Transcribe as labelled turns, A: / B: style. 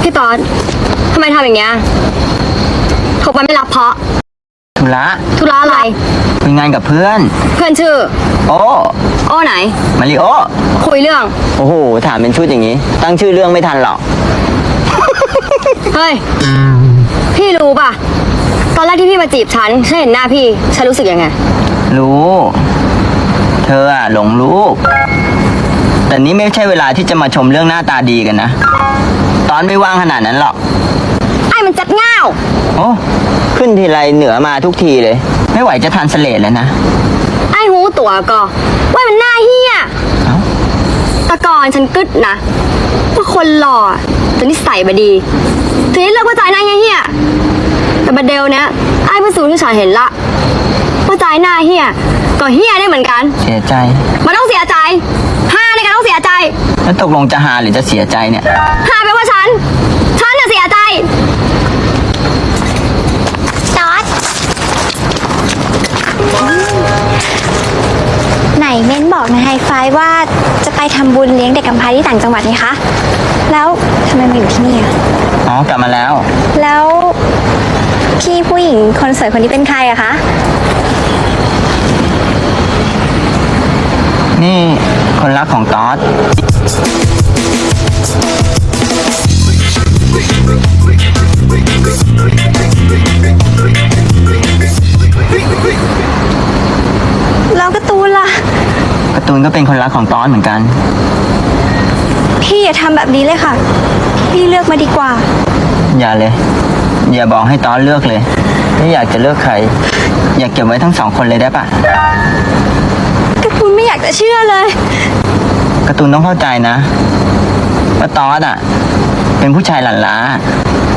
A: พี่ป๊อตทำไมทำอย่างเงี้ยโทรไปไม่รับเพราะ
B: ธุระ
A: อะไร
B: คุยงานกับเพื่อน
A: เพื่อนชื่อ
B: โอ้
A: ไหน
B: มาริโอ
A: คุยเรื่อง
B: โอ้โหถามเป็นชุดอย่างนี้ตั้งชื่อเรื่องไม่ทันหรอก
A: เฮ้ยพี่รู้ป่ะตอนแรกที่พี่มาจีบฉันเห็นหน้าพี่ฉันรู้สึกยังไง
B: รู้เธออะหลงลูกแต่นี้ไม่ใช่เวลาที่จะมาชมเรื่องหน้าตาดีกันนะตอนไม่ว่างขนาดนั้นหรอก
A: ไอ้มันจัดง่าว
B: โอ้ขึ้นทีไรเหนือมาทุกทีเลยไม่ไหวจะทันเสลดแล้วนะ
A: ไอ้หูตัวก็ว่ามันหน้าเฮียตะกอนฉันกึดนะว่าคนหล่อแต่นิสัยบดีทีนี้เลิกว่าใจหน้าเฮียแต่บัดเดลเนี้ยไอ้พิสูจน์ที่ฉันเห็นละว่าใจหน้าเฮียก็เฮียได้เหมือนกัน
B: เสียใจ
A: มันต้องเสียใจในการต้องเสียใจ
B: แล้วตกลงจะหาหรือจะเสียใจเนี่ย
A: แปลว่าฉันจะเสียใจ
C: จอร์จไหนเม้นบอกในไฮไฟว่าจะไปทำบุญเลี้ยงเด็กกำพร้าที่ต่างจังหวัดนี่คะแล้วทำไมมาอยู่ที่นี่
B: อ๋อกลับมาแล้ว
C: แล้วพี่ผู้หญิงคนสวยคนนี้เป็นใครอะคะ
B: นี่คนรักของตอส
C: แล้วการ์ตูนล่ะ
B: การ์ตูนก็เป็นคนรักของตอสเหมือนกัน
C: พี่อย่าทำแบบนี้เลยค่ะพี่เลือกมาดีกว่า
B: อย่าเลยอย่าบอกให้ตอสเลือกเลยไม่อยากจะเลือกใครอยากเก็บไว้ทั้งสองคนเลยได้ปะ
C: การ์ตูนไม่อยากจะเชื่อเลย
B: การ์ตูนต้องเข้าใจนะว่าตอสอ่ะเป็นผู้ชายหลั่นล้า